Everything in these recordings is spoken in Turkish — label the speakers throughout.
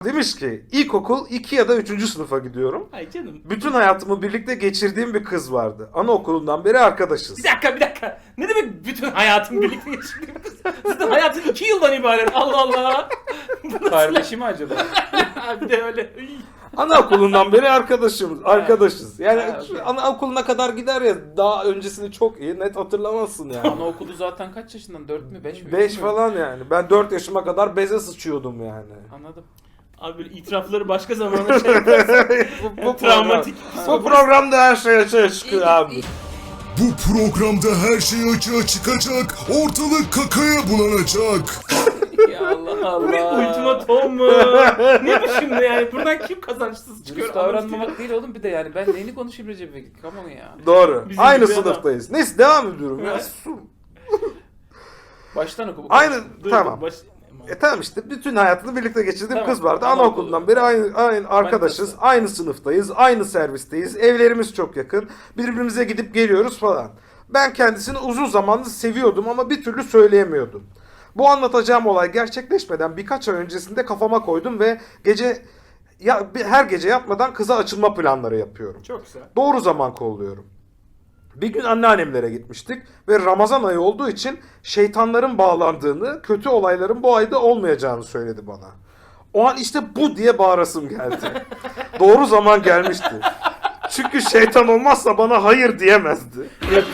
Speaker 1: Demiş ki ilkokul 2 ya da 3. sınıfa gidiyorum.
Speaker 2: Ay canım.
Speaker 1: Bütün hayatımı birlikte geçirdiğim bir kız vardı. Anaokulundan beri arkadaşız.
Speaker 2: Bir dakika. Ne demek bütün hayatın birlikte geçirdiğim kız? Zaten hayatın 2 yıldan ibaret. Allah Allah.
Speaker 3: Kardeşi mi acaba?
Speaker 2: Bir de öyle.
Speaker 1: Anaokulundan beri arkadaşız. Yani
Speaker 3: Ha, okey.
Speaker 1: anaokuluna kadar gider ya, daha öncesini çok iyi net hatırlamazsın yani.
Speaker 3: Anaokulu zaten kaç yaşından? 4 mü 5 mi?
Speaker 1: 5 falan yani. Ben 4 yaşıma kadar beze sıçıyordum yani.
Speaker 3: Anladım.
Speaker 2: Abi böyle itirafları başka zamana şey yaparsan
Speaker 1: bu
Speaker 2: travmatik.
Speaker 1: Bu programda her şey açığa çıkıyor abi.
Speaker 4: Bu programda her şey açığa çıkacak, ortalık kakaya bulanacak.
Speaker 3: Ya Allah
Speaker 2: Bu bir
Speaker 3: Allah.
Speaker 2: ultimatom mu? Ne bu şimdi yani? Buradan kim kazançsız çıkıyor?
Speaker 3: Dürüst davranmamak değil oğlum, bir de yani ben neyini konuşayım Recep Bey? Come on ya.
Speaker 1: Doğru.
Speaker 2: Bizim
Speaker 1: Aynı
Speaker 2: gibi
Speaker 1: sınıftayız. Neyse devam ediyorum ya.
Speaker 2: Evet.
Speaker 3: Baştan oku.
Speaker 1: Aynı
Speaker 2: Dur,
Speaker 1: tamam.
Speaker 2: baş-
Speaker 1: Tamam işte bütün hayatını birlikte geçirdiğim
Speaker 3: Tamam,
Speaker 1: kız vardı.
Speaker 3: tamam,
Speaker 1: Anaokulundan beri aynı arkadaşız.
Speaker 3: Manitası.
Speaker 1: Aynı sınıftayız. Aynı servisteyiz. Evlerimiz çok yakın. Birbirimize gidip geliyoruz falan. Ben kendisini uzun zamandır seviyordum ama bir türlü söyleyemiyordum. Bu anlatacağım olay gerçekleşmeden birkaç ay öncesinde kafama koydum ve her gece yatmadan kıza açılma planları yapıyorum.
Speaker 2: Çok güzel.
Speaker 1: Doğru zaman kolluyorum. Bir gün anneannemlere gitmiştik ve Ramazan ayı olduğu için şeytanların bağlandığını, kötü olayların bu ayda olmayacağını söyledi bana. O an işte bu diye bağırasım geldi. Doğru zaman gelmişti. Çünkü şeytan olmazsa bana hayır diyemezdi.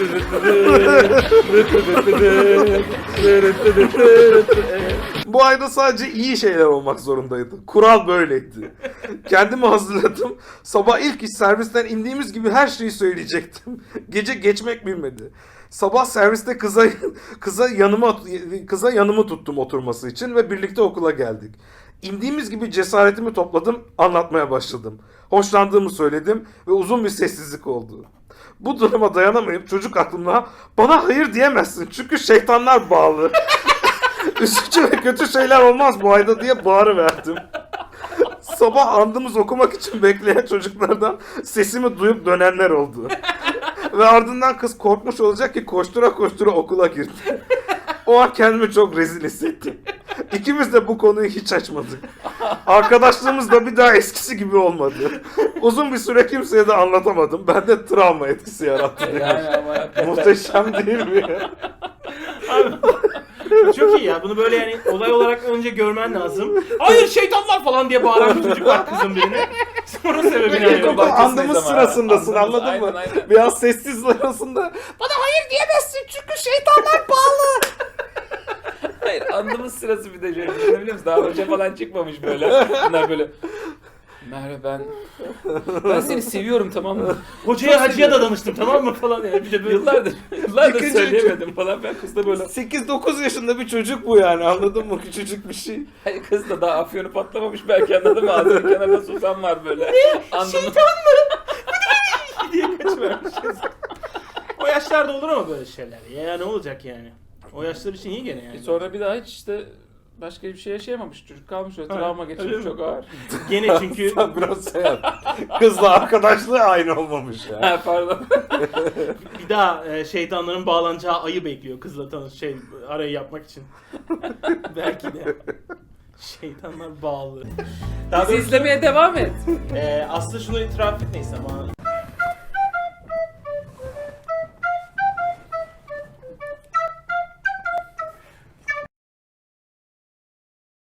Speaker 1: Bu ayda sadece iyi şeyler olmak zorundaydı. Kural böyleydi. Kendimi hazırladım. Sabah ilk iş servisten indiğimiz gibi her şeyi söyleyecektim. Gece geçmek bilmedi. Sabah serviste kıza yanımı tuttum oturması için ve birlikte okula geldik. İndiğimiz gibi cesaretimi topladım, anlatmaya başladım. Hoşlandığımı söyledim ve uzun bir sessizlik oldu. Bu duruma dayanamayıp çocuk aklımla bana hayır diyemezsin çünkü şeytanlar bağlı. Üzücü ve kötü şeyler olmaz bu ayda diye bağırıverdim. Sabah andımız okumak için bekleyen çocuklardan sesimi duyup dönenler oldu. Ve ardından kız korkmuş olacak ki koştura koştura okula girdi. O an kendimi çok rezil hissettim. İkimiz de bu konuyu hiç açmadık. Arkadaşlığımız da bir daha eskisi gibi olmadı. Uzun bir süre kimseye de anlatamadım. Bende travma etkisi yarattı.
Speaker 3: Yani ama hakikaten.
Speaker 1: Muhteşem değil mi ya?
Speaker 2: Abi, çok iyi ya. Bunu böyle yani olay olarak önce görmen lazım. Hayır şeytanlar falan diye bağıran bir çocuk var kızın birine. Sonra sebebini
Speaker 3: İlkokul
Speaker 2: arıyor.
Speaker 3: bahçesindeyiz
Speaker 1: Andımız
Speaker 3: ama.
Speaker 1: sırasındasın,
Speaker 3: Andımız,
Speaker 1: anladın mı?
Speaker 3: aynen.
Speaker 1: Biraz sessiz arasında bana hayır diyemezsin çünkü şeytanlar bağlı.
Speaker 3: Hayır, andımız sırası bir de şöyle biliyor musun? Daha hoca falan çıkmamış böyle. Bunlar böyle. Merve ben seni seviyorum, tamam mı?
Speaker 2: Hocaya hacıya da danıştım tamam mı falan yani. Bir de böyle
Speaker 3: Yıllardır
Speaker 1: İkinci-
Speaker 3: söyleyemedim falan. Ben kız da böyle.
Speaker 1: 8-9 yaşında bir çocuk bu yani, anladın mı? Küçücük bir şey.
Speaker 3: Hayır, kız da daha afyonu patlamamış belki, anladın mı? Ağzının kenarında susam var böyle. Andımız.
Speaker 2: diye kaçıvermiş kız. O yaşlarda olur ama böyle şeyler. Ya ne olacak yani? O yaşlar için iyi gene yani.
Speaker 3: Sonra bir daha hiç işte başka bir şey yaşayamamış. Çocuk kalmış öyle, travma
Speaker 2: öyle
Speaker 3: geçirmiş,
Speaker 2: mi?
Speaker 3: çok ağır.
Speaker 2: Gene çünkü
Speaker 1: Sen biraz şey yap. Kızla arkadaşlığı aynı olmamış ya.
Speaker 3: Ha, pardon.
Speaker 2: bir daha şeytanların bağlanacağı ayı bekliyor kızla arayı yapmak için. Belki de. Şeytanlar bağlı. Daha
Speaker 3: Bizi
Speaker 2: doğrusu,
Speaker 3: izlemeye devam et.
Speaker 2: aslında şunu itiraf et neyse ama